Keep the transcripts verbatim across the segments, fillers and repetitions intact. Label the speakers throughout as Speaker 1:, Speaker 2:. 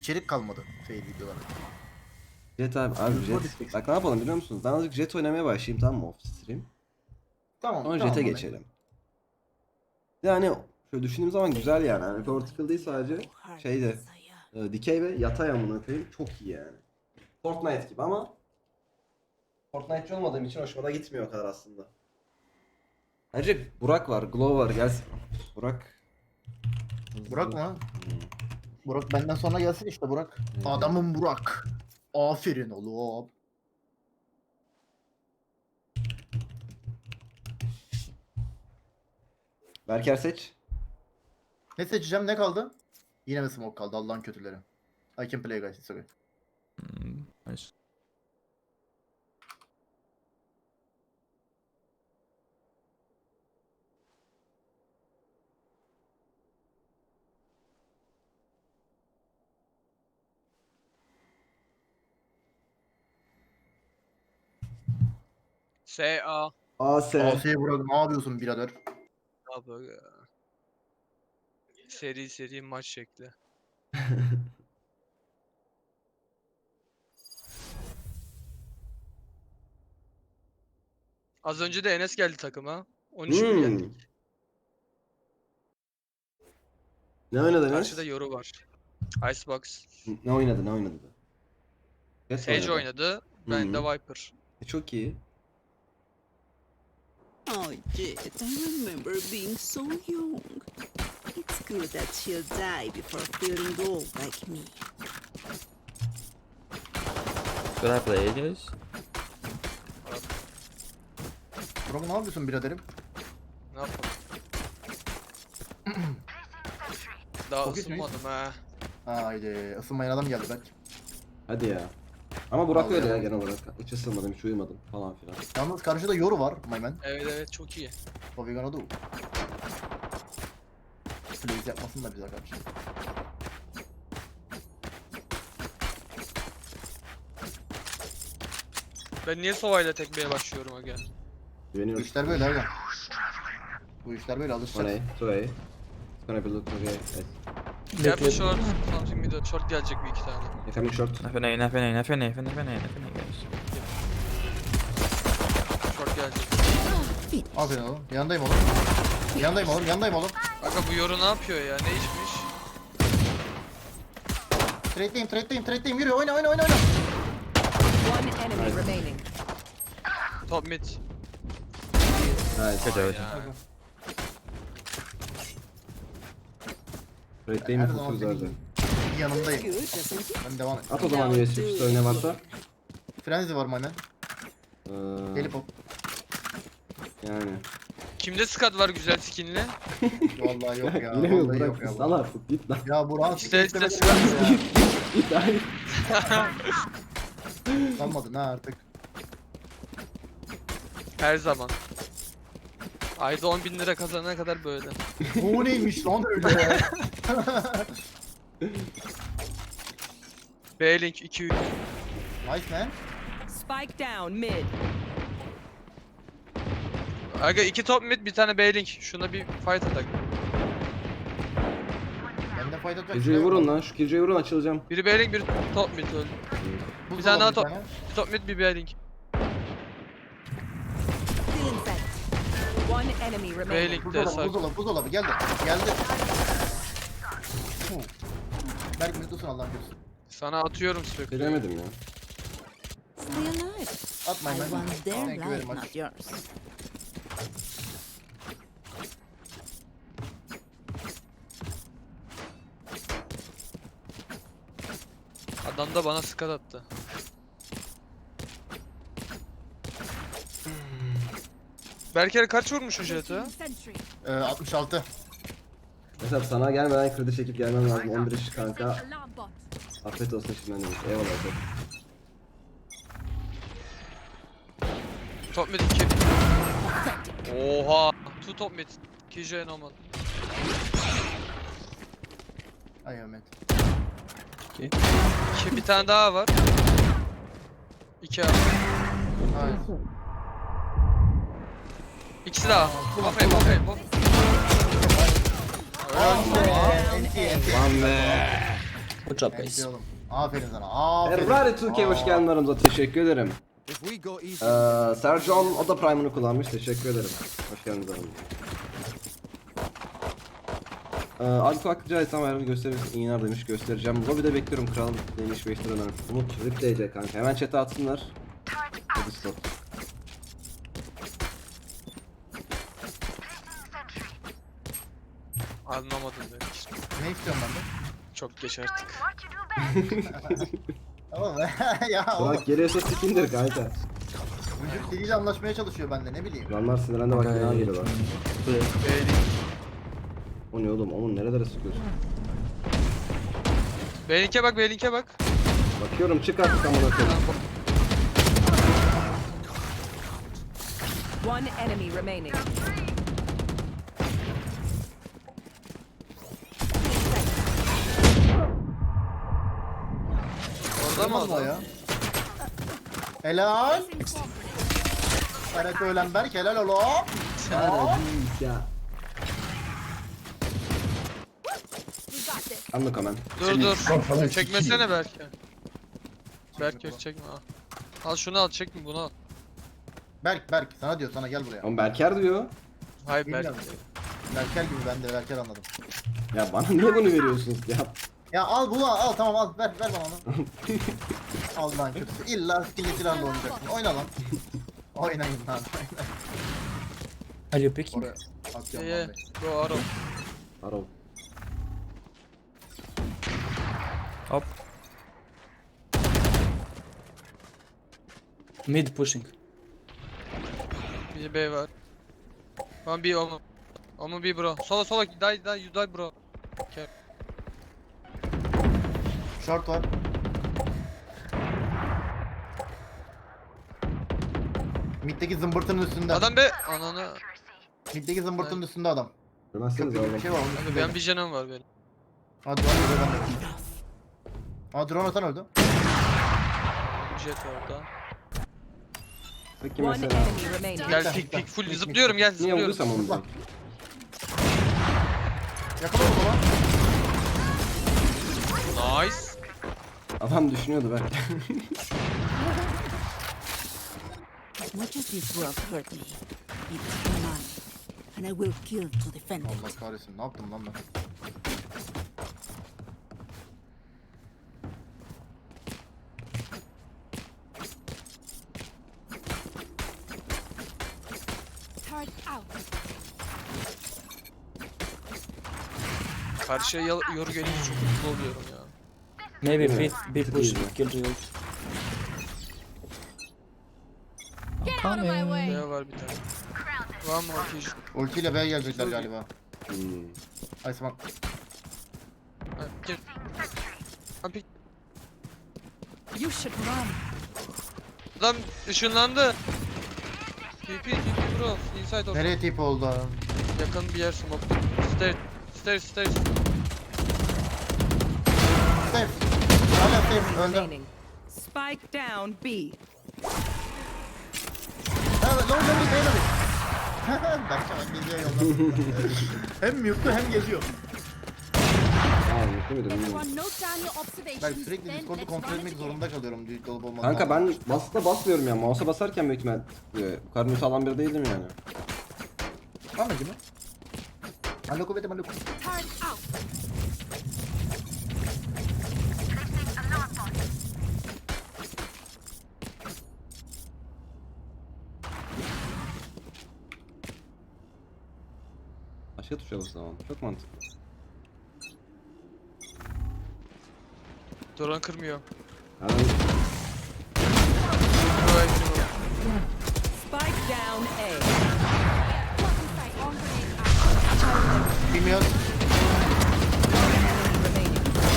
Speaker 1: İçerik kalmadı fail videolarda.
Speaker 2: Jet abi, abi
Speaker 1: Hızlı
Speaker 2: Jet.
Speaker 1: düşecek.
Speaker 2: Bak ne yapalım biliyor musunuz? Ben azıcık Jet oynamaya başlayayım, tamam mı, off stream.
Speaker 1: Tamam
Speaker 2: Sonra
Speaker 1: tamam
Speaker 2: Jet'e
Speaker 1: Mami.
Speaker 2: geçelim. Yani şöyle düşündüğüm zaman güzel yani. Hani vertical değil sadece şeyde e, dikey ve yatay amına koyayım, çok iyi yani. Fortnite gibi ama Fortnite'ci olmadığım için hoşuma da gitmiyor o kadar aslında. Ayrıca Burak var, Glow var, gelsin. Burak.
Speaker 1: Burak mı?
Speaker 2: Hmm.
Speaker 1: Burak benden sonra gelsin işte Burak.
Speaker 2: Evet.
Speaker 1: Adamım Burak. Aferin oğlum.
Speaker 2: Berker seç.
Speaker 1: Ne seçeceğim, ne kaldı? Yine mi smoke kaldı, Allah'ın kötüleri. I can play guys, it's okay.
Speaker 3: Mm, nice.
Speaker 4: S A.
Speaker 2: A S.
Speaker 1: Asiye Burak, ne yapıyorsun birader?
Speaker 4: Abi ya. Seri seri maç şekli. Az önce de Enes geldi takıma. on üç bir
Speaker 2: Hmm.
Speaker 4: yendik.
Speaker 2: Ne oynadın
Speaker 4: Karşıda
Speaker 2: Enes?
Speaker 4: Yoru var. Icebox.
Speaker 2: Ne oynadı, ne oynadı? Jet
Speaker 4: Sage oynadı. Ben de
Speaker 2: Hı.
Speaker 4: Viper.
Speaker 2: E, çok iyi.
Speaker 5: Oh, Jet, I remember being so young. It's good that she'll die before feeling old like me.
Speaker 3: Should I play guys?
Speaker 1: Burak ne yapıyorsun biraderim?
Speaker 4: Ne yapalım? Daha
Speaker 1: Çok iyi
Speaker 4: ısınmadım ha.
Speaker 1: Haydi ısınmayan adam geldi belki.
Speaker 2: Hadi ya. Ama Burak
Speaker 1: Vallahi
Speaker 2: öyle ya
Speaker 1: ya.
Speaker 2: genel olarak. Hiç ısınmadım, hiç uyumadım falan filan.
Speaker 1: Yalnız karşıda Yoru var my man.
Speaker 4: Evet evet çok iyi.
Speaker 1: What we gonna do? Please yapmasın da bize karşı.
Speaker 4: Ben niye Sova'yla tekmeye başlıyorum aga?
Speaker 1: Bu
Speaker 2: Güveniyorum.
Speaker 1: işler böyle abi. Bu işler böyle
Speaker 2: O
Speaker 1: alışacağız.
Speaker 2: ne? Two It's gonna be look okay. Yes.
Speaker 4: Gel bir short. Something mid short gelecek bir iki tane.
Speaker 2: They're coming short.
Speaker 3: F N A, F N A, F N A, F N A, F N A, F N A guys.
Speaker 4: Short gelecek.
Speaker 1: Aferin oğlum. Yanındayım oğlum. Yanındayım oğlum. Yanındayım oğlum.
Speaker 4: Aga bu Yoru ne yapıyor ya? Ne içmiş?
Speaker 1: Trade'deyim, trade'deyim, trade'deyim. Yürü, oyna, oyna, oyna, oyna.
Speaker 6: One enemy remaining.
Speaker 4: Top mid.
Speaker 2: Nice.
Speaker 3: Good job.
Speaker 4: Ya.
Speaker 2: Rate'deyim
Speaker 1: Her
Speaker 2: mi
Speaker 1: zaman
Speaker 2: tutuyoruz
Speaker 1: senin
Speaker 2: zaten.
Speaker 1: yanındayım.
Speaker 5: Good, doesn't it?
Speaker 1: Ben devam et.
Speaker 2: At o zaman U S B üstü ne varsa.
Speaker 1: Frenzy var my man.
Speaker 2: Ee,
Speaker 1: Gelip hop.
Speaker 2: yani.
Speaker 4: Kimde skat var güzel skinli?
Speaker 1: Vallahi yok ya.
Speaker 2: Yine mi
Speaker 1: Vallahi
Speaker 2: Burak?
Speaker 1: yok ya.
Speaker 2: Sal artık git lan.
Speaker 1: Ya Burak'ın
Speaker 4: İşte-
Speaker 1: siktir
Speaker 4: işte
Speaker 1: istemesi
Speaker 4: sıkıntı.
Speaker 1: lazım
Speaker 2: Git hayır.
Speaker 1: ya. Sanmadın ha artık.
Speaker 4: Her zaman. Ayda on bin lira kazanana kadar böyle.
Speaker 1: Bu neymiş lan öyle?
Speaker 4: B-Link iki üç.
Speaker 1: Nice man.
Speaker 6: Spike down mid.
Speaker 4: Aga iki top mid bir tane B-Link. Şuna bir fight atak.
Speaker 1: Bende fayda atacak.
Speaker 2: Geceyi
Speaker 1: şey yok.
Speaker 2: vurun lan, şu geceyi vurun, açılacağım.
Speaker 4: Biri B-Link biri top mid öldü.
Speaker 1: Buz
Speaker 4: Bir tane daha
Speaker 1: alalım,
Speaker 4: top. Bir top mid bir B-Link.
Speaker 6: Still in sight. One enemy remaining.
Speaker 4: B-Link de
Speaker 1: Buzdolabı,
Speaker 4: sağ.
Speaker 1: buzdolabı, buzdolabı geldi. Geldi. Huh. Berk mutlusun Allah'ın görsün.
Speaker 4: Sana atıyorum sürekli.
Speaker 2: Bilemedim ya.
Speaker 5: Stay alive.
Speaker 1: At my
Speaker 5: I
Speaker 1: man.
Speaker 5: want their
Speaker 1: Thank you very
Speaker 5: life,
Speaker 1: much.
Speaker 5: not yours.
Speaker 4: Adam da bana skat attı. Berker kaç vurmuşsun Jet'e?
Speaker 6: Sentry.
Speaker 1: Ee, altmış altı.
Speaker 2: Mesela sana gelmeden kredi çekip gelmem lazım. on bir iş kanka.
Speaker 6: Alarm bot.
Speaker 2: Afiyet olsun şimdiden demiş. Eyvallah. Çok.
Speaker 4: Top mid iki. Oha. Two top mid. iki J normal.
Speaker 1: Ay Ahmet.
Speaker 4: İki bir tane daha var. İki abi.
Speaker 1: Ay.
Speaker 4: İkisi daha. Aferin aferin. Hop.
Speaker 1: Enti enti.
Speaker 2: Lan be.
Speaker 7: Good job,
Speaker 1: Neyse
Speaker 7: guys.
Speaker 1: oğlum. Aferin sana. Aferin.
Speaker 2: Ferrari iki K hoş
Speaker 1: Aa.
Speaker 2: geldin aramıza. Teşekkür ederim. Ee, Sercan o da Prime'ını kullanmış. Teşekkür ederim. Hoş geldiniz aramıza. Ee, Alfa Akıcı İslam ayarını gösterir misin? İyi iner demiş, göstereceğim. Lobby'de bekliyorum kralım demiş beş lira önermiş. Umut Rip D C kanka. Hemen chat'e atsınlar. Hadi stop.
Speaker 4: Anlamadım demiş.
Speaker 1: Ne istiyorum ben de?
Speaker 4: Çok geç artık.
Speaker 1: Oğlum ya oğlum.
Speaker 2: Bırak geliyorsa sikindir kanka.
Speaker 1: Vücut diliyle anlaşmaya çalışıyor bende ne bileyim.
Speaker 2: Adamlar sinirlendi bak bina geliyorlar.
Speaker 4: Beylik.
Speaker 2: O ne oğlum? Onun nerelere sıkıyorsun?
Speaker 4: Beylik'e bak, Beylik'e bak.
Speaker 2: Bakıyorum çık artık amına koyayım.
Speaker 6: One enemy remaining.
Speaker 4: Orada mı
Speaker 1: Olmaz mı o
Speaker 4: adam?
Speaker 1: ya? Helal. Karak öğlen Berk helal oğlum.
Speaker 2: Ya. Anlık hemen.
Speaker 4: Dur dur. Çekmesene Berke. Berke çekme ha. Al şunu al, çekme bunu al.
Speaker 1: Berk Berk sana diyor sana gel buraya.
Speaker 2: Ama Berker diyor.
Speaker 4: Hayır Berke.
Speaker 1: Bilmiyorum. Berker gibi ben de Berker anladım.
Speaker 2: Ya bana niye bunu veriyorsunuz ya?
Speaker 1: Ya al bunu al, al tamam al ver ver bana onu. Al lan kötüsü. İlla skinli silahla oynayacaksın. Oyna lan. Oynayın lan.
Speaker 7: Are you picking?
Speaker 1: Oraya atıyorum
Speaker 4: Ye
Speaker 1: lan be.
Speaker 4: Go Arrow.
Speaker 2: Arrow.
Speaker 3: Hop.
Speaker 7: Mid pushing.
Speaker 4: Bir B var. One B Omu. Omu B bro. Sola sola die die you die bro. Okay.
Speaker 1: Short var. Mid'deki zımbırtının üstünde.
Speaker 4: Adam be. Ananı.
Speaker 1: Mid'deki zımbırtının üstünde adam.
Speaker 2: Görmezseniz
Speaker 1: Köprü gibi
Speaker 2: oğlum.
Speaker 1: bir şey var onun
Speaker 4: Abi
Speaker 1: üstünde.
Speaker 4: benim bir canım var benim.
Speaker 1: Ha drone öldü ben de. Ha drone atan öldü.
Speaker 4: Jet orada.
Speaker 2: Peki
Speaker 6: One
Speaker 2: mesela.
Speaker 6: enemy remaining.
Speaker 4: Gel pik pik full zıplıyorum gel
Speaker 2: Niye
Speaker 4: zıplıyorum.
Speaker 2: vurduysam onu
Speaker 1: Bak.
Speaker 2: direkt.
Speaker 1: Yakala o zaman.
Speaker 4: Nice.
Speaker 2: Adam düşünüyordu belki.
Speaker 5: As much as this world hurt me, it's mine, and I will kill to defend it.
Speaker 1: Allah kahretsin ne yaptım lan ben?
Speaker 4: Karşıya yal- yoru gelince çok mutlu oluyorum ya.
Speaker 7: Maybe
Speaker 2: Yeah.
Speaker 7: be, be
Speaker 2: Good
Speaker 7: pushing.
Speaker 2: easy.
Speaker 7: Kill Real.
Speaker 4: B var bir tane. One more fish.
Speaker 1: Ultiyle B'ye gelecekler galiba.
Speaker 2: Hmm.
Speaker 1: Iceman.
Speaker 4: Ha, gel. Ha, pik.
Speaker 6: You should run.
Speaker 4: Adam ışınlandı. T P T P bro. Inside of.
Speaker 1: Nereye tip oldu adam?
Speaker 4: Yakın bir yer smoke. Stairs. Stairs stairs.
Speaker 1: Safe. Hala safe. Öldü.
Speaker 6: Remaining. Spike down B.
Speaker 1: Ha long long bir beyler. Berkcan geziyor yolda. Hem mute'lu hem geziyor.
Speaker 2: Aa mutlu muydum bilmiyorum.
Speaker 1: Ben sürekli Discord'u kontrol etmek zorunda kalıyorum düğüt olup olmadan.
Speaker 2: Kanka ben basıda basmıyorum ya. Mouse'a basarken büyük ihtimal e, bu kadar mute alan biri değildim yani.
Speaker 1: Anladın mı? Maloko bete maloko.
Speaker 2: Başka tuşa basamam. Çok mantıklı.
Speaker 4: Duran kırmıyor.
Speaker 2: Yani
Speaker 4: Bro hepsi bu.
Speaker 6: Spike down A.
Speaker 1: Bilmiyorum.
Speaker 6: Remaining.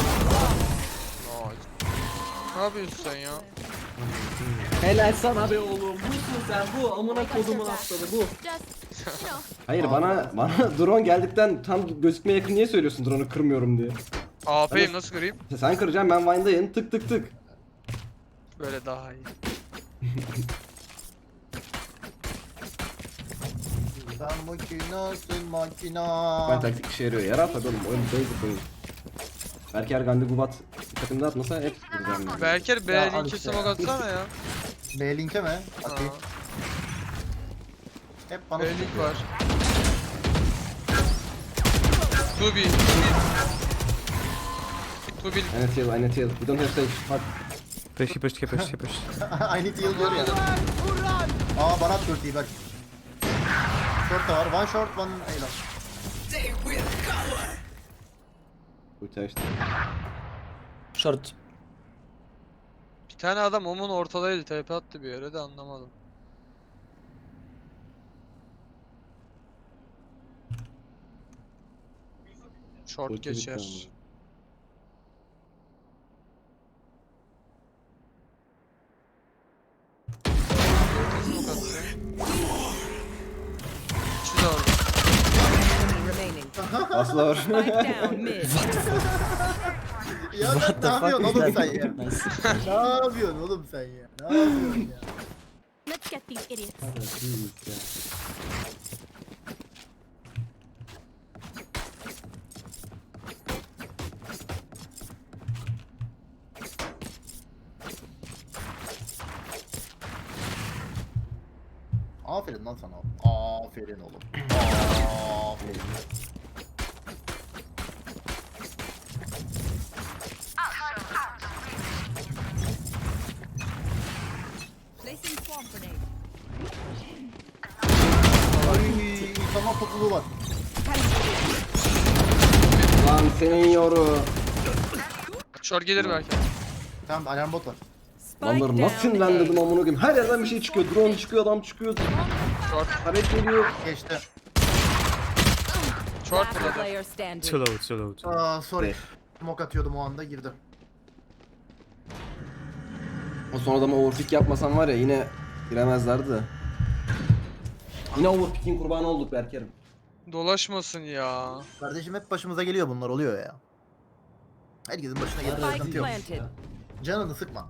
Speaker 4: Nice. Ne yapıyorsun sen ya?
Speaker 7: Helal sana be oğlum. Busun sen bu. Amına kodumun atladı bu.
Speaker 2: hayır bana bana drone geldikten tam gözükmeye yakın niye söylüyorsun drone'u kırmıyorum diye.
Speaker 4: A P'yim nasıl kırayım?
Speaker 2: Sen kıracaksın ben Vine'dayım tık tık tık.
Speaker 4: Böyle daha iyi.
Speaker 1: Sen makinasın makina.
Speaker 2: Ben taktik işe yarıyor. Yarar tabii oğlum. Oyun basic oyun. Berker Gandhi Gubat takımda atmasa hep vuracağım. yani.
Speaker 4: Berker B
Speaker 1: Ya, al
Speaker 4: linki
Speaker 1: işte
Speaker 4: smoke
Speaker 1: ya.
Speaker 4: atsana ya.
Speaker 1: B link'e mi?
Speaker 4: Aa,
Speaker 1: Atayım. Hep bana
Speaker 4: B link var. two B. two B.
Speaker 2: Enet heal, Enet heal. We don't have sage. Fuck.
Speaker 3: Push, he pushed, he pushed, he pushed.
Speaker 1: I need heal diyor ya. Aa bana at ultiyi bak. Short da var. One short, one A.
Speaker 2: Ulti açtı.
Speaker 7: Short.
Speaker 4: Bir tane adam omun ortadaydı. T P attı bir yere de anlamadım. Short
Speaker 2: Ulti bitti
Speaker 4: geçer.
Speaker 2: ama.
Speaker 4: Smoke attı. İkisi de orada.
Speaker 6: Enemy remaining.
Speaker 2: Asla var.
Speaker 6: Spike down mid.
Speaker 1: Ya sen ne yapıyorsun oğlum sen ya?
Speaker 7: Nice.
Speaker 1: Ne yapıyorsun oğlum sen ya? Ne yapıyorsun ya?
Speaker 8: Let's get these idiots.
Speaker 1: Aferin lan sana. Aferin oğlum. Aferin.
Speaker 6: Placing swarm grenade.
Speaker 1: Ay, tamam topluluğu var.
Speaker 2: Lan senin yoru.
Speaker 4: Short gelir belki.
Speaker 1: Tamam alarm bot var.
Speaker 6: Spike
Speaker 2: Lanları nasıl
Speaker 6: down
Speaker 2: sinirlendirdim
Speaker 6: A.
Speaker 2: amına koyayım. Her yerden bir şey çıkıyor. Drone çıkıyor, adam çıkıyor.
Speaker 4: Short.
Speaker 2: Taret geliyor.
Speaker 1: Geçti.
Speaker 4: Short
Speaker 6: Last
Speaker 4: burada.
Speaker 6: player standing.
Speaker 3: Too low, too low. Too low.
Speaker 1: Aa sorry.
Speaker 2: De.
Speaker 1: Smoke atıyordum o anda girdi.
Speaker 2: O son adama overpick yapmasam var ya yine giremezlerdi de. Yine overpick'in kurbanı olduk Berker'im.
Speaker 4: Dolaşmasın ya.
Speaker 1: Kardeşim hep başımıza geliyor bunlar oluyor ya. Herkesin başına geliyor.
Speaker 6: Spike
Speaker 1: Sıkıntı yok.
Speaker 6: planted.
Speaker 1: Canını sıkma.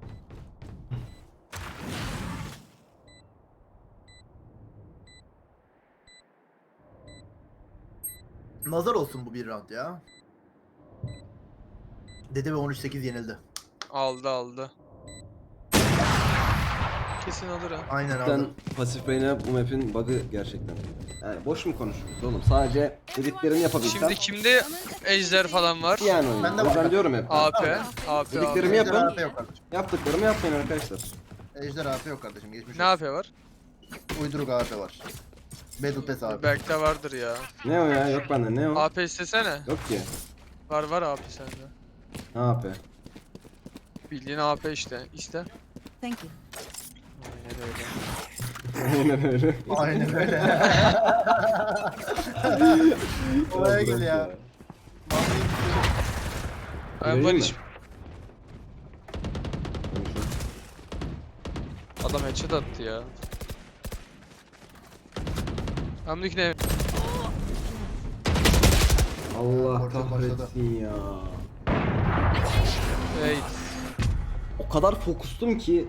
Speaker 1: Nazar olsun bu bir round ya. Dede ve on üç sekiz yenildi.
Speaker 4: Aldı aldı. Kesin alır ha.
Speaker 1: Aynen
Speaker 2: Ben
Speaker 1: aldı.
Speaker 2: pasif brain'e bu map'in bug'ı gerçekten. Yani boş mu konuşuyoruz oğlum? Sadece dediklerini yapabilsem.
Speaker 4: Şimdi kimde ejder falan var?
Speaker 2: yani oyun.
Speaker 1: Ben de
Speaker 2: O yüzden
Speaker 1: var.
Speaker 2: diyorum hep.
Speaker 4: A P. A P.
Speaker 2: Dediklerimi
Speaker 1: Ejder
Speaker 2: yapın.
Speaker 1: A P yok kardeşim.
Speaker 2: Yaptıklarımı yapmayın arkadaşlar.
Speaker 1: Ejder A P yok kardeşim. Geçmiş
Speaker 4: Ne
Speaker 1: olsun.
Speaker 4: A P var?
Speaker 1: Uyduruk A P var. Battle Pass A P.
Speaker 4: Belki de vardır ya.
Speaker 2: Ne o ya? Yok bende ne o?
Speaker 4: A P istesene.
Speaker 2: Yok ki.
Speaker 4: Var var A P sende.
Speaker 2: Ne yapı?
Speaker 4: Bildiğin A P işte. İste.
Speaker 6: Thank you.
Speaker 4: Aynen öyle.
Speaker 2: Aynen öyle.
Speaker 1: Aynen öyle. Oraya gel ya.
Speaker 4: Ben
Speaker 2: Vereyim
Speaker 4: Barış.
Speaker 2: mi?
Speaker 4: Adam headshot attı ya. Hamdik ne?
Speaker 2: Allah
Speaker 1: Orta başladı.
Speaker 2: kahretsin ya.
Speaker 4: Hey.
Speaker 2: O kadar fokustum ki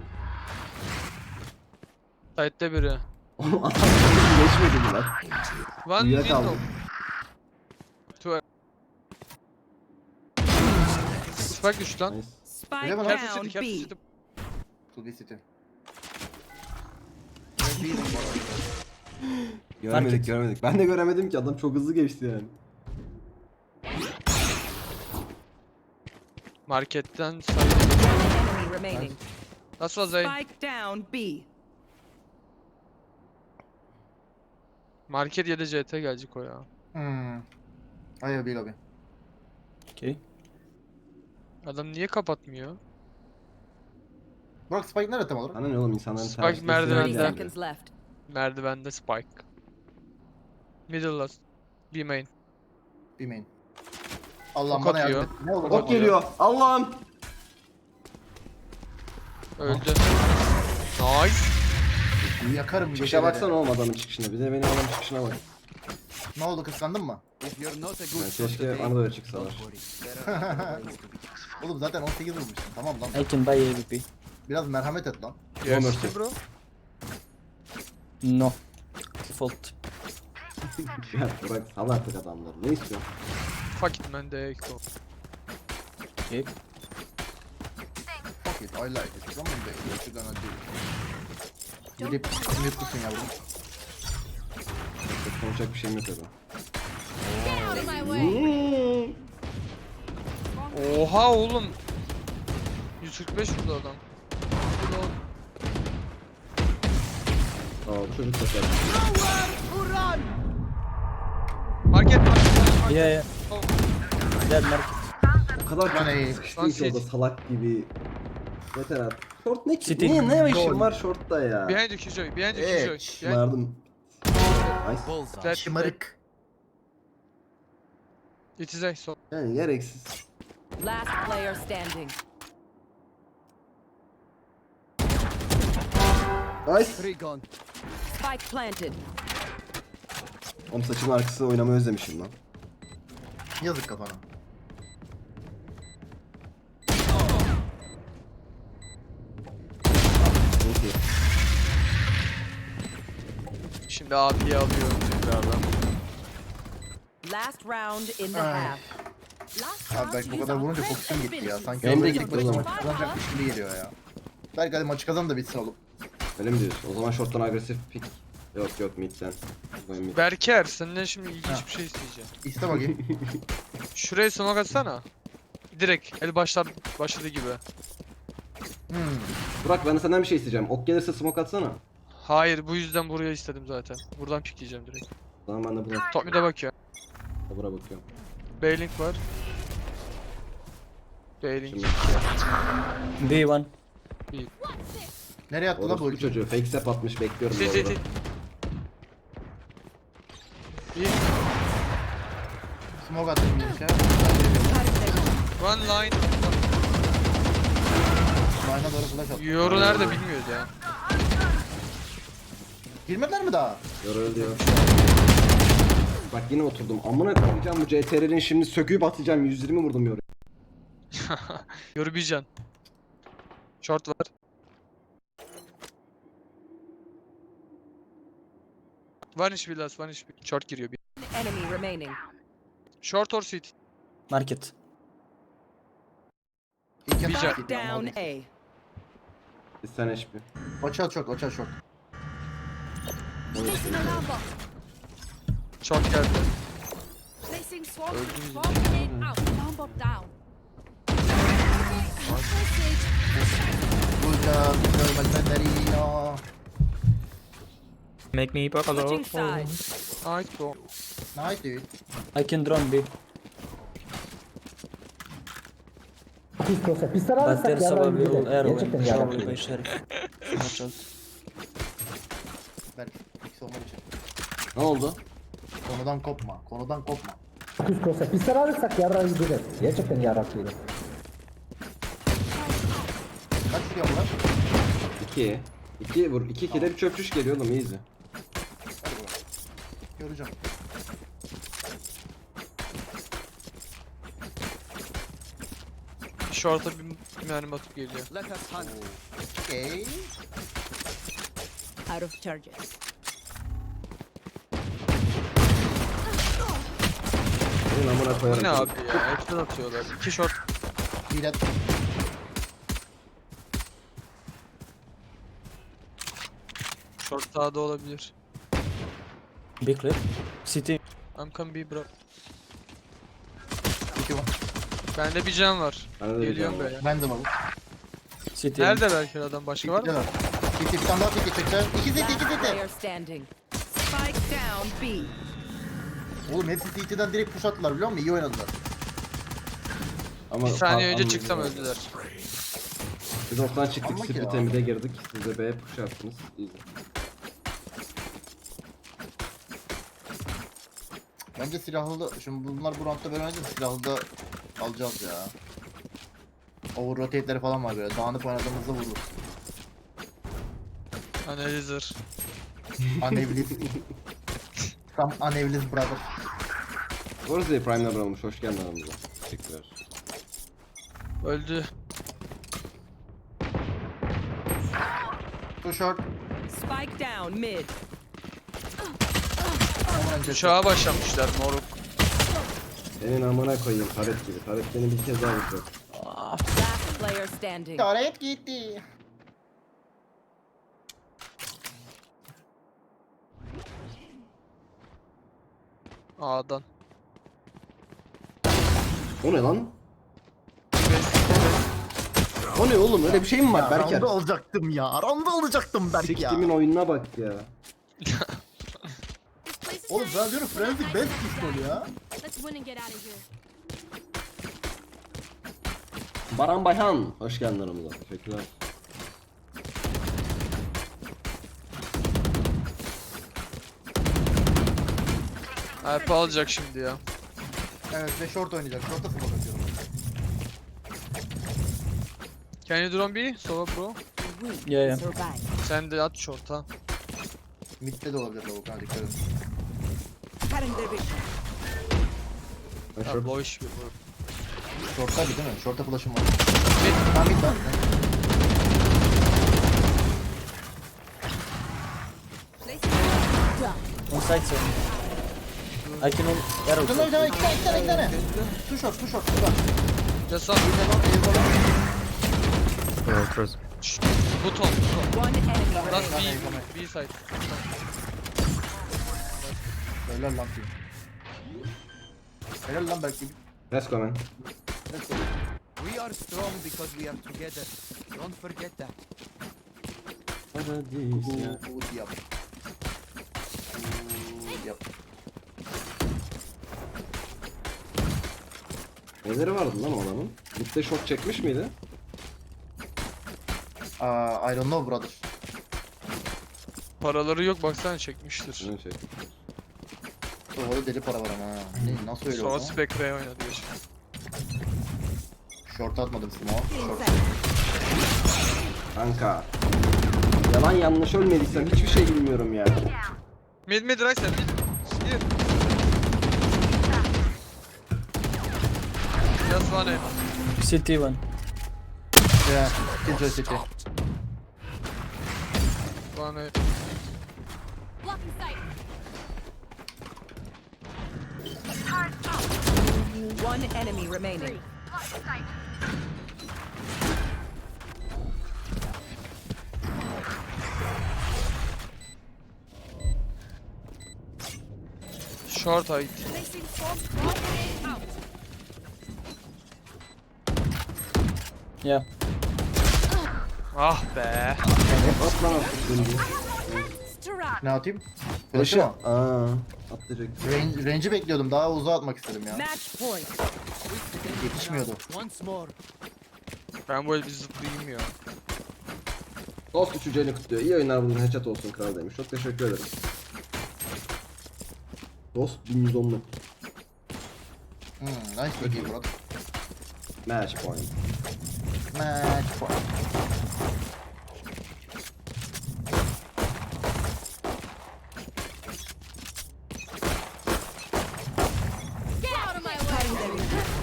Speaker 4: Side'de biri.
Speaker 2: oğlum adam geçmedi mi lan?
Speaker 4: One
Speaker 2: Uyuyakaldım.
Speaker 4: window. Two. Spike düştü lan.
Speaker 2: Nice.
Speaker 6: Spike
Speaker 1: Öyle mi lan?
Speaker 4: Careful
Speaker 6: down
Speaker 4: city, careful
Speaker 6: B.
Speaker 4: city.
Speaker 1: Publicity.
Speaker 2: Göremedik göremedik. Ben de göremedim ki adam çok hızlı geçti yani.
Speaker 4: Marketten side.
Speaker 6: Enemy remaining.
Speaker 4: Nasıl was A?
Speaker 6: Spike down B.
Speaker 4: Market ya da C T gelecek o ya.
Speaker 1: Hmm. Hayır bir lobby.
Speaker 7: Okay.
Speaker 4: Adam niye kapatmıyor?
Speaker 1: Burak Spike nerede tam olarak?
Speaker 2: Sana ne oğlum insanların
Speaker 4: Spike
Speaker 2: tercihleri
Speaker 4: merdivende.
Speaker 6: thirty
Speaker 2: yani.
Speaker 6: seconds left.
Speaker 4: Merdivende Spike. Middle last. B main.
Speaker 1: Bir main. Allah'ım
Speaker 4: Ok
Speaker 1: bana yardım
Speaker 4: atıyor.
Speaker 1: et. Ne olur
Speaker 4: Ok
Speaker 2: Ok geliyor. Allah'ım.
Speaker 4: Öldü. Nice.
Speaker 1: yakarım
Speaker 2: Çıkışa
Speaker 1: geceleri.
Speaker 2: baksana oğlum adamın çıkışına. Bir de benim adamın çıkışına bak.
Speaker 1: Ne oldu kıskandın mı?
Speaker 2: Yani keşke bana da öyle çıksalar.
Speaker 1: Oğlum zaten on sekiz vurmuşsun. Tamam lan.
Speaker 7: I can buy A V P.
Speaker 1: Biraz merhamet et lan.
Speaker 4: Yes
Speaker 2: mercy.
Speaker 4: bro.
Speaker 7: No. Default.
Speaker 2: Ya bırak sal artık adamları. Ne istiyorsun?
Speaker 4: Fuck it man de go.
Speaker 7: Okay.
Speaker 1: like it, I like it. Come on baby, what you gonna do? Gidip mutlusun yavrum.
Speaker 2: Çok konuşacak bir şeyim yok orada.
Speaker 8: Get out of my way.
Speaker 4: Oha oğlum. yüz kırk beş vurdu adam. Bu da o-
Speaker 2: Aa bu çocuk da sen.
Speaker 4: Market market market.
Speaker 7: Yeah, yeah.
Speaker 4: Oh.
Speaker 7: Dead market.
Speaker 2: O kadar
Speaker 1: Lan ey.
Speaker 2: çok sıkıştım ki orada salak gibi. Yeter artık. Short ne ki?
Speaker 7: City.
Speaker 2: Niye ne işin
Speaker 1: Gol.
Speaker 2: var shortta ya?
Speaker 4: Behind you Kijoy, behind you
Speaker 1: Evet.
Speaker 4: Kijoy. Behind
Speaker 2: Şımardım. Nice.
Speaker 4: that.
Speaker 1: Şımarık.
Speaker 4: It is A, so.
Speaker 2: Yani gereksiz.
Speaker 6: Last player standing.
Speaker 2: Nice.
Speaker 6: Spike planted.
Speaker 2: Oğlum saçımın arkasını oynamayı özlemişim lan.
Speaker 1: Yazık kafana.
Speaker 2: Neyse.
Speaker 4: Şimdi abiye alıyorum tekrardan.
Speaker 6: Last round in the
Speaker 1: Ay.
Speaker 6: half.
Speaker 8: Last
Speaker 1: Abi
Speaker 8: round,
Speaker 1: belki bu
Speaker 8: use
Speaker 1: kadar
Speaker 8: our
Speaker 1: vurunca
Speaker 8: best
Speaker 1: fokusun gitti ya.
Speaker 8: abilities.
Speaker 1: Sanki
Speaker 2: Benim de
Speaker 1: orada
Speaker 2: gitti
Speaker 1: tek
Speaker 2: o
Speaker 1: başına
Speaker 2: zaman.
Speaker 1: maç kazanacakmış gibi geliyor ya. Belki hadi maçı kazan da bitsin oğlum.
Speaker 2: Öyle mi diyorsun? O zaman short'tan agresif pick. Yok yok mid'den. Ben mid.
Speaker 4: Berker senden şimdi ilginç
Speaker 1: Ha.
Speaker 4: bir şey isteyeceğim.
Speaker 1: İste bakayım.
Speaker 4: Şuraya smoke atsana. Direkt el başlar başladığı gibi.
Speaker 1: Hmm.
Speaker 2: Burak ben de senden bir şey isteyeceğim. Ok gelirse smoke atsana.
Speaker 4: Hayır bu yüzden buraya istedim zaten. Buradan pikleyeceğim direkt.
Speaker 2: O zaman ben de buna,
Speaker 4: Top mid'e bakıyor.
Speaker 2: buna bakıyorum.
Speaker 4: B-Link var. B-Link.
Speaker 2: Şimdi
Speaker 7: B one.
Speaker 1: Nereye attı la bu
Speaker 2: orospu
Speaker 1: ulti?
Speaker 2: çocuğu fake step atmış bekliyorum bu
Speaker 4: Sit sit
Speaker 2: arada.
Speaker 4: sit. İyi.
Speaker 1: Smoke attım bir şey.
Speaker 4: One line.
Speaker 1: Line'a doğru flash attım.
Speaker 4: Yoru nerede bilmiyoruz ya.
Speaker 1: Girmediler mi daha?
Speaker 2: Yorul diyor. Bak yine oturdum. Amına koyacağım bu C T R'nin şimdi söküp atacağım. yüz yirmi vurdum yoru.
Speaker 4: Yoru bir can. Short var. Vanish Villas, Vanish Villas. Short giriyor bir.
Speaker 6: Enemy remaining.
Speaker 4: Short or city.
Speaker 7: Market.
Speaker 1: İlk
Speaker 4: Bir
Speaker 1: yapı
Speaker 4: can.
Speaker 6: Spike down A.
Speaker 2: Bir tane H P.
Speaker 1: Oça short, oça short.
Speaker 8: Placing alarm bot.
Speaker 4: Short geldi.
Speaker 8: Placing swarm.
Speaker 4: Öldünüz.
Speaker 8: Swarm grenade out. Alarm bot down. Message.
Speaker 1: Burada görmezler ya.
Speaker 3: Make me pop a
Speaker 6: Switching
Speaker 3: lot.
Speaker 6: sides.
Speaker 4: Ait go.
Speaker 1: Nice dude.
Speaker 7: I can drone B. But there's probably arrow and probably by sheriff. Watch out.
Speaker 1: Berk, X olmak için.
Speaker 2: Ne oldu?
Speaker 1: Konudan kopma, konudan kopma.
Speaker 9: Kıskosa pisler alırsak yarrağı gideriz. Gerçekten yarrak yedim.
Speaker 1: Kaç vuruyor bunlar?
Speaker 2: iki. iki vur. iki kere bir çöpçüş geliyor oğlum easy.
Speaker 1: Hadi bakalım. Göreceğim.
Speaker 4: Short'a bir mermi atıp geliyor.
Speaker 1: Okey.
Speaker 6: Out of charges.
Speaker 2: Benim amına
Speaker 4: Bu
Speaker 2: koyarım.
Speaker 4: ne abi ya? Hepsinden atıyorlar. İki short.
Speaker 1: Hilet.
Speaker 4: Short sağda olabilir.
Speaker 7: B clear. City.
Speaker 4: I'm coming B bro.
Speaker 1: İki var.
Speaker 4: Bende bir can var.
Speaker 2: Bende de bir
Speaker 4: Geliyorum
Speaker 2: can var.
Speaker 4: böyle.
Speaker 1: Ben de varım.
Speaker 7: City.
Speaker 4: Nerede belki adam başka var mı?
Speaker 1: Gittiler. Gitti, bir tane daha gitti çıktı. İki zeti, iki zeti.
Speaker 6: Player standing. Spike down B.
Speaker 1: Oğlum hepsi C T'den direkt push attılar biliyor musun? İyi oynadılar.
Speaker 2: Ama
Speaker 4: Bir saniye
Speaker 2: Aa,
Speaker 4: önce
Speaker 2: anladım.
Speaker 4: çıksam öldüler.
Speaker 2: Biz oktan çıktık.
Speaker 1: Ama ki
Speaker 2: Split
Speaker 1: ya.
Speaker 2: Emide girdik. Siz de B'ye push yaptınız. Easy.
Speaker 1: Bence silahlı da, şimdi bunlar bu roundda böyle oynayınca silahlı da alacağız ya. Over rotate'leri falan var böyle. Dağınık oynadığımızda vururuz.
Speaker 4: Analizer.
Speaker 1: Unevlis. Tam Unevlis brother.
Speaker 2: Orası Prime'ler olmuş. Hoş geldin aramıza. Teşekkürler.
Speaker 4: Öldü.
Speaker 1: Too short.
Speaker 6: Spike down mid.
Speaker 1: Aman önce.
Speaker 4: Uçağa başlamışlar moruk.
Speaker 2: Senin amına koyayım taret gibi. Taret beni bir kez daha vuracak.
Speaker 6: Last player standing.
Speaker 1: Taret gitti.
Speaker 4: A'dan.
Speaker 2: O ne lan? O ne oğlum, öyle bir şey mi var Berker?
Speaker 1: Aramda olacaktım ya. Aramda olacaktım Berk ya.
Speaker 2: Siktimin oyununa bak ya.
Speaker 8: This place is
Speaker 1: Oğlum
Speaker 8: nice,
Speaker 1: ben diyorum
Speaker 8: but not
Speaker 1: Frenzy
Speaker 8: nice
Speaker 1: best
Speaker 8: enough
Speaker 1: pistol
Speaker 8: yet.
Speaker 1: ya.
Speaker 8: Let's win and get out of here.
Speaker 2: Baran Bayhan, hoş geldin aramıza. Teşekkürler.
Speaker 4: Alp alacak şimdi ya.
Speaker 1: Evet ve short oynayacak. Short'a full bakıyorum.
Speaker 4: Can you drone B? Sova bro.
Speaker 6: Yeah, yeah. Survive.
Speaker 4: Sen de at short'a.
Speaker 1: Mid'de de olabilir lavuk. Ha dikkat edin.
Speaker 5: Cutting their vision.
Speaker 2: Ben
Speaker 4: Ha,
Speaker 2: şort-
Speaker 4: boş bir bro.
Speaker 1: Short'taydı değil mi? Short'a flash'ım var.
Speaker 4: Mid.
Speaker 1: Ha mid var.
Speaker 7: On site sir. I can on arrow.
Speaker 1: Şunlar bir tane, iki tane, iki tane, iki tane. Two short, two short. Şurada.
Speaker 4: Just on.
Speaker 3: Oh, cross.
Speaker 4: Şşt, Buton, buton.
Speaker 6: One enemy
Speaker 4: Last
Speaker 6: remaining.
Speaker 4: B, B side.
Speaker 1: Helal lan team. Helal lan belki.
Speaker 2: Let's go man.
Speaker 10: We are strong because we are together. Don't forget that.
Speaker 2: Paradis ya.
Speaker 1: Uğur yap. Uğur yap.
Speaker 2: Neleri vardı lan o adamın? Mid'de şok çekmiş miydi?
Speaker 1: Aa, I don't know brother.
Speaker 4: Paraları yok baksana çekmiştir.
Speaker 2: Ne çekmiş?
Speaker 1: Orada deli para var ama ha. Ne, nasıl öyle
Speaker 4: Sonra
Speaker 1: oldu?
Speaker 4: Spectre oynadı geçen.
Speaker 1: Short atmadım smoke. Short.
Speaker 2: Kanka. Yalan yanlış ölmediysem hiçbir şey bilmiyorum ya.
Speaker 4: Mid mid right side mid. Here. Just one aim.
Speaker 7: City one.
Speaker 1: Yeah, Killjoy City.
Speaker 4: One aim.
Speaker 8: Blocking sight.
Speaker 6: One enemy remaining.
Speaker 4: Short height.
Speaker 8: Placing swarm. Grenade out.
Speaker 7: Yeah.
Speaker 4: Ah be.
Speaker 2: At lan artık döndü.
Speaker 8: Strap.
Speaker 1: Ne atayım?
Speaker 2: Flash'ı.
Speaker 1: Flash'ı mı?
Speaker 2: Aaa. Atlayacak.
Speaker 1: Range, range'i bekliyordum. Daha uzağa atmak istedim ya.
Speaker 6: Match point.
Speaker 1: Yetişmiyordu.
Speaker 10: Once more.
Speaker 4: Ben böyle bir zıplayayım ya.
Speaker 2: Dost üçüncü kutluyor. İyi oyunlar buldun. Headshot olsun kral demiş. Çok teşekkür ederim. Dost bin yüz onluk.
Speaker 1: Hmm, nice bakayım brother.
Speaker 2: Match point.
Speaker 1: Match point.
Speaker 8: Get out of my way.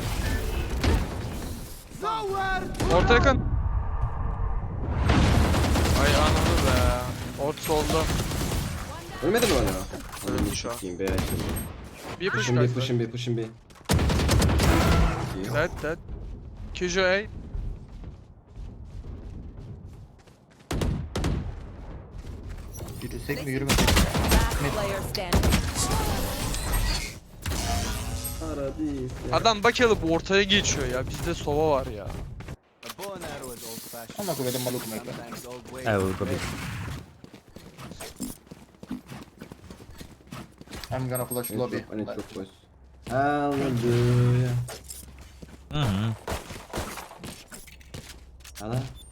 Speaker 4: Orta yakın. Ay anladı be. Ort solda.
Speaker 2: Ölmedi mi hala?
Speaker 4: Öldü
Speaker 2: Ölmüş
Speaker 4: şu an.
Speaker 2: bakayım be.
Speaker 4: Bir push
Speaker 2: Push'un bir,
Speaker 4: guys.
Speaker 2: push'un bir, push'un bir.
Speaker 4: Dead dead. Kijo A.
Speaker 1: Yürüsek mi yürümesek mi?
Speaker 6: Last player standing.
Speaker 2: Paradis ya.
Speaker 4: Adam bak alıp ortaya geçiyor ya. Bizde sova var ya.
Speaker 10: A bow and arrow is old fashioned.
Speaker 1: Ama koydum malukum ekle.
Speaker 10: Sometimes old ways.
Speaker 3: I will go big.
Speaker 1: I'm gonna flash
Speaker 2: Evet,
Speaker 1: lobby.
Speaker 2: çok, evet, çok boş. Hallelujah.
Speaker 3: Mhm.
Speaker 2: Hala.